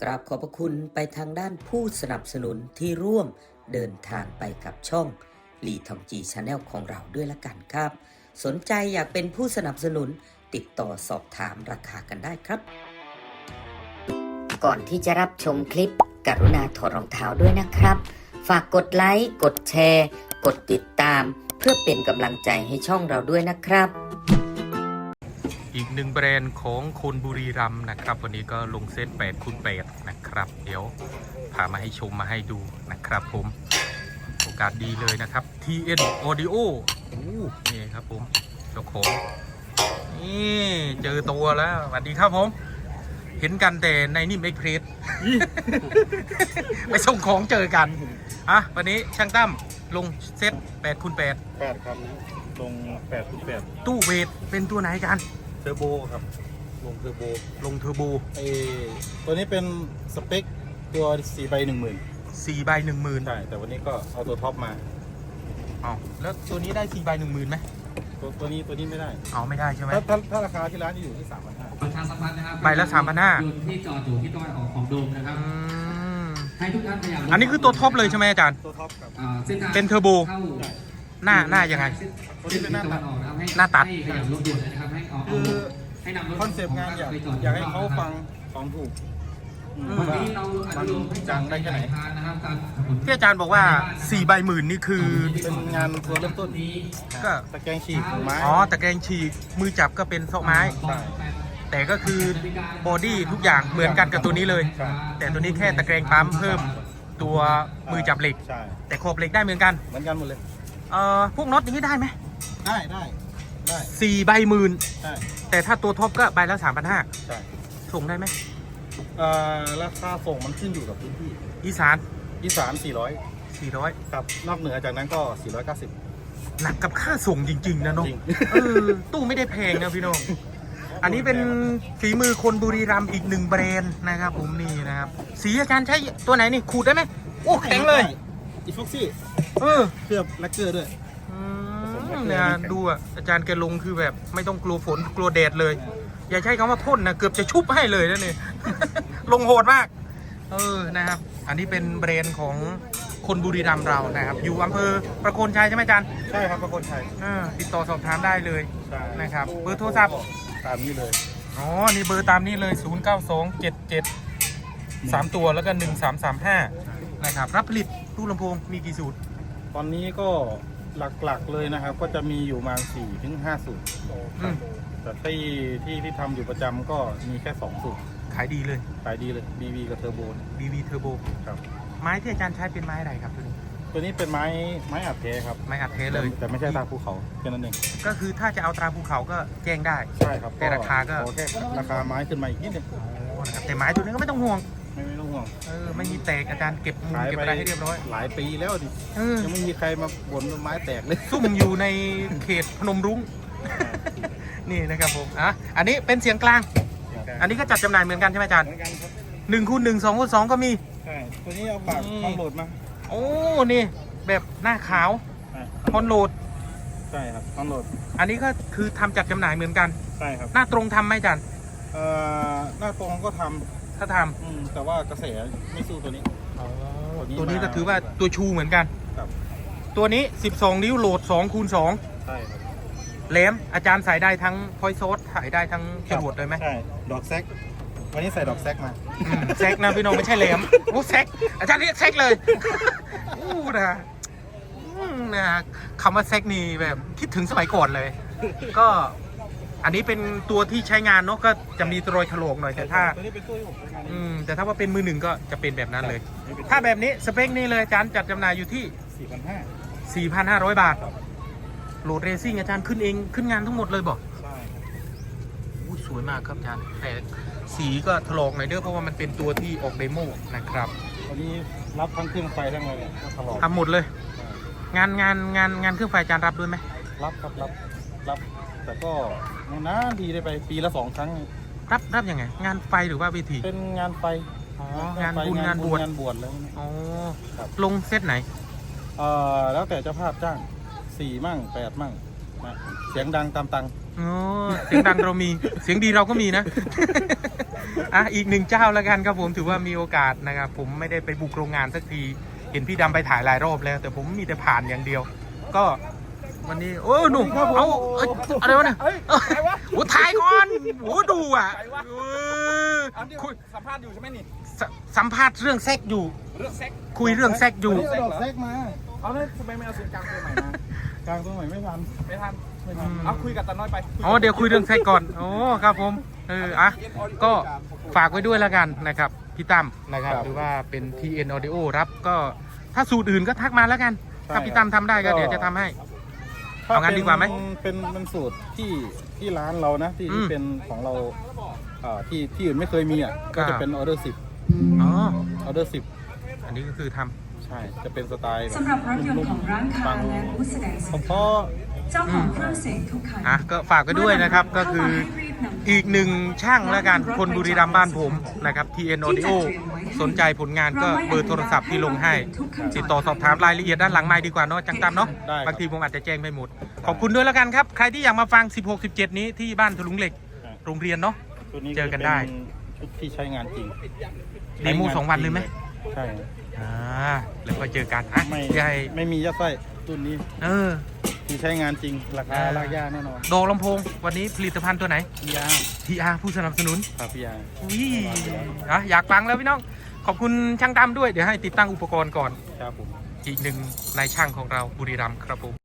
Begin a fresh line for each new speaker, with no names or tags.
กราบขอบพระคุณไปทางด้านผู้สนับสนุนที่ร่วมเดินทางไปกับช่องลีทองจีชาแนลของเราด้วยละกันครับสนใจอยากเป็นผู้สนับสนุนติดต่อสอบถามราคากันได้ครับก่อนที่จะรับชมคลิปกรุณาถอดรองเท้าด้วยนะครับฝากกดไลค์กดแชร์กดติดตามเพื่อเป็นกำลังใจให้ช่องเราด้วยนะครับ
อีกหนึ่งแบรนด์ของคนบุรีรัมย์นะครับวันนี้ก็ลงเซต8x8นะครับเดี๋ยวพามาให้ชมมาให้ดูนะครับผมโอกาสดีเลยนะครับ TN Audio นี่ครับผมเจ้าของนี่เจอตัวแล้วสวัสดีครับผมเห็นกันแต่ในนิ่มเอ็กเพรส ไปส่งของเจอกันอ่ะวันนี้ช่างตั้มลงเซต8x8
8ครับลง8/8
ตู้เวทเป็นตัวไหนกัน
เทอร์โบครับลงเทอร์โบตัวนี้เป็นสเปคตัว4/10,000
4/10,000
ใช่แต่วันนี้ก็เอาตัวท็อปมา
เอาแล้วตัวนี้ได้4/10,000ไหม
ตัวนี้ไม่ได้
เอาไม่ได้ใช่ไหม
ถ้าราคาที่ร้านอยู่ที่ 3,500
ประชาสัมพันธ์นะครับ
ใบละ3,500
ยนต์ที่จอดอยู่ที่ตะวันออกของโดมนะครับให้ทุกท่านพยายาม
อันนี้คือตัวท็อปเลยใช่ไหมอาจารย์
ตัวท็อปครับ
เป็นเทอร์โบหน้ายังไง
ตัวนี้เป็นหน้าตัด
หน้าตัด
ขยับรถด่วนนะครับ
คือคอนเซปต์งานอยากให้เขาฟังของถูก
วันนี้เรา
มันจังได้แค่ไหน
นะครับ
ที่อาจารย์บอกว่า4/10,000นี่คือ
เป็นงานตัวเริ่มต้น
ก็
ตะแกรงฉีกไม้
ตะแกรงฉีกมือจับก็เป็นซอกไม้แต่ก็คือบอดี้ทุกอย่างเหมือนกันกับตัวนี้เลยแต่ตัวนี้แค่ตะแกรงปั๊มเพิ่มตัวมือจับเหล็กแต่ขอบเหล็กได้เหมือนกัน
หมดเลย
พวกน็อตอย่างนี้ได้ไหม
ได้
4/10,000แต่ถ้าตัวท็อปก็ใบละ3,500
ใช่
ส่งได้ไหม
ราคาส่งมันขึ้นอยู่กับพื้นที่
อีสาน
400ครับนอกเหนือจากนั้นก็490
หนักกับค่าส่งจริงๆนะเนาะตู้ไม่ได้แพงนะพี่น้องอันนี้เป็นฝีมือคนบุรีรัมย์อีกหนึ่งแบรนด์นะครับผมนี่นะครับสีอาจารย์ใช้ตัวไหนนี่ขูดได้ไหมโอ้แข็งเลย
อีฟ็อกซี่เคลือบแลกเกอร์ด้วย
เนี่ยดูอาจารย์แกลงคือแบบไม่ต้องกลัวฝนกลัวแดดเลยอย่าใช้คำว่าพ่นนะเกือบจะชุบให้เลยนั่นเอง ลงโหดมากนะครับอันนี้เป็นแบรนด์ของคนบุรีรัมย์เรานะครับอยู่อำเภอประโคนชัยใช่ไหมอาจารย์
ใช่ครับประโคนชัย
ติดต่อสอบถามได้เลยนะครับเบอร์โทรศัพท์
ตามนี้เลย
นี่เบอร์ตามนี้เลย092773ตัวแล้วก็1335นะครับรับผลิตตู้ลำโพงมีกี่สูตร
ตอนนี้ก็หลักๆเลยนะครับก็จะมีอยู่มา4-5 สูตรแต่ที่ทำอยู่ประจำก็มีแค่2 สูตร
ขายดีเลย
BB กับเทอร์โบ
BB เทอร์โบ
ครับ
ไม้ที่อาจารย์ใช้เป็นไม้อะไรครับ
ตัวนี้เป็นไม้อัดเทครับ
ไม้อัดเทเลย
แต่ไม่ใช่ตราภูเขาแค่นั้นเอง
ก็คือถ้าจะเอาตราภูเขาก็แจ้งได้
ใช่ครับ
แต่ราคาก็
แค่ราคาไม้ขึ้นมาอีกนิดนึง
แต่ไม้ตัวนี้ก็ไม่ต้องห่วง
ไม่ต้องห่วง
ไม่มีแตกอาจารย์เก็บมุมเก็บอะไรให้เรียบร้อย
หลายปีแล้วดิยังไม่มีใครมาบ่นไม้แตกเลย
ซุ่มอยู่ในเขตพนมรุ้งนี่นะครับผมอันนี้เป็นเสียงกลางอันนี้ก็จัดจำหน่ายเหมือนกันใช่ไหมอาจารย์1x1 2x2ก็มี
ใช่ตัวนี้เอาปากคอนโหลดมา
นี่แบบหน้าขาวคอนโหลด
ใช่ครับคอนโหลด
อันนี้ก็คือทำจัดจำหน่ายเหมือนกัน
ใช่ครับ
หน้าตรงทำไหมอาจารย์
หน้าตรงก็ทำ
ถ้าทำ
แต่ว่ากระแสไม่สู้ตัวนี้
ตัวนี้ก็ถือว่าตัวชูเหมือนกันตัวนี้12 นิ้วโหลด2x2
ใช่ครับ
แหลมอาจารย์ใส่ได้ทั้งพอยต์โซสใส่ได้ทั้งจรวดเลยไหม
ใช่ดอกแซกวันนี้ใส่ดอกแซกมา
แซกนะพี่น้องไม่ใช่แหลมแซกอาจารย์เรียกแซกเลยนะคำว่าแซกนี่แบบคิดถึงสมัยก่อนเลยก็อันนี้เป็นตัวที่ใช้งานเนาะก็จะมีรอยถลอกหน่อยแต่ถ้าแต่ถ้าว่าเป็นมือหนึ่งก็จะเป็นแบบนั้นเลยถ้าแบบนี้สเปคนี้เลยอาจารย์จัดจำหน่ายอยู่ที่4,500 บาทโหลดเรซิ่งอาจารย์ขึ้นเองขึ้นงานทั้งหมดเลยบอก
ใช่
สวยมากครับอาจารย์แต่สีก็ถลอกหน่อยเด้อเพราะว่ามันเป็นตัวที่ออกเดโมนะครับ
วันนี้รับทั้งเครื่องไฟทั้งอะไรก็ถลอก
ทำหมดเลยงานเครื่องไฟอาจารย์รับด้วยไหม
รับแต่ก็นะดีได้ไปปีละ2 ครั้ง
รับยังไงงานไฟหรือว่าเวที
เป็นงานไฟ
งานบุญงานบวช
แล้ว
ลงเซตไหน
แล้วแต่เจ้าภาพจ้าง4 มั่ง 8 มั่งนะเสียงดังตามตัง
เสียงดังเรามีเสียงดีเราก็มีนะอีกหนึ่งเจ้าแล้วกันครับผมถือว่ามีโอกาสนะครับผมไม่ได้ไปบุกโรงงานสักทีเห็นพี่ดำไปถ่ายหลายรอบแล้ว แต่ผมมีแต่ผ่านอย่างเดียว ก็วันนี้โอ้หนุ่มเอาอะไรวะเนี่ยโอ้ถ่ายก่อนโอ้ดูอ่ะคุย
สัมภาษณ์อยู่ใช่ไหมนี่
สัมภาษณ์เรื่องแซกอยู่
เรื่องเซ็ก
คุยเรื่องแซกอยู่
เอาดอกเซ็กมาเอาเนี่ยทำไมไม่เอาเสียงกลางตัวใหม่มากลางตัวใหม่ไม่ทันเอาคุยกับตาน้อยไป
อ๋อเดี๋ยวคุยเรื่องแซกก่อนโอ้ครับผมก็ฝากไว้ด้วยแล้วกันนะครับพี่ตั้มนะครับหรือว่าเป็น TN Audio รับก็ถ้าสูตรอื่นก็ทักมาแล้วกันถ้าพี่ตั้มทำได้ก็เดี๋ยวจะทำให้ เอางั้นดีกว่าไหม
เป็นสูตรที่ร้านเรานะที่เป็นของเราที่อื่นไม่เคยมีก็จะเป็นออเดอร์10
อ๋อ
ออเดอร์10
อันนี้ก็คือทำ
ใช่จะเป็นสไตล์
สำหรับรถยนต์ของร้านค้าและผู้แสดงสิน
เพ
ค้า
ราะ
เจ้าของเครื่องเสียงทุกคัน
ก็ฝากไว้ด้วยนะครับก็คืออีกหนึ่งช่างแล้วกันคนบุรีรัมย์บ้านผมนะครับ TN Audio สนใจผลงานก็เบอร์โทรศัพท์ที่ลงให้ติดต่อสอบถามรายละเอียดด้านหลังไมค์ดีกว่าเนาะจังตามเนาะบางทีผมอาจจะแจ้งไม่หมดขอบคุณด้วยแล้วกันครับใครที่อยากมาฟัง 16-17 นี้ที่บ้านถลุงเหล็กโรงเรียนเนาะ
ตัวนี้
เจอกันได้
ชุดที่ใช้งานจริง
เดโม2 วันเลยไหม
ใช่
แล้วก็เจอกัน
ไม่
ใหญ่
ไม่มียัดไส้รุ่นนี้ ที่ใช้งานจริงราคาลากย่าแน่นอน
ดอกลำโพงวันนี้ผลิตภัณฑ์ตัวไหน
ยา
TR ผู้สนับสนุน
ครับพี่ยา
อยากฟังแล้วพี่น้องขอบคุณช่างดำด้วยเดี๋ยวให้ติดตั้งอุปกรณ์ก่อน
ครับผม
อีกหนึ่งนายช่างของเราบุรีรัมย์ครับผม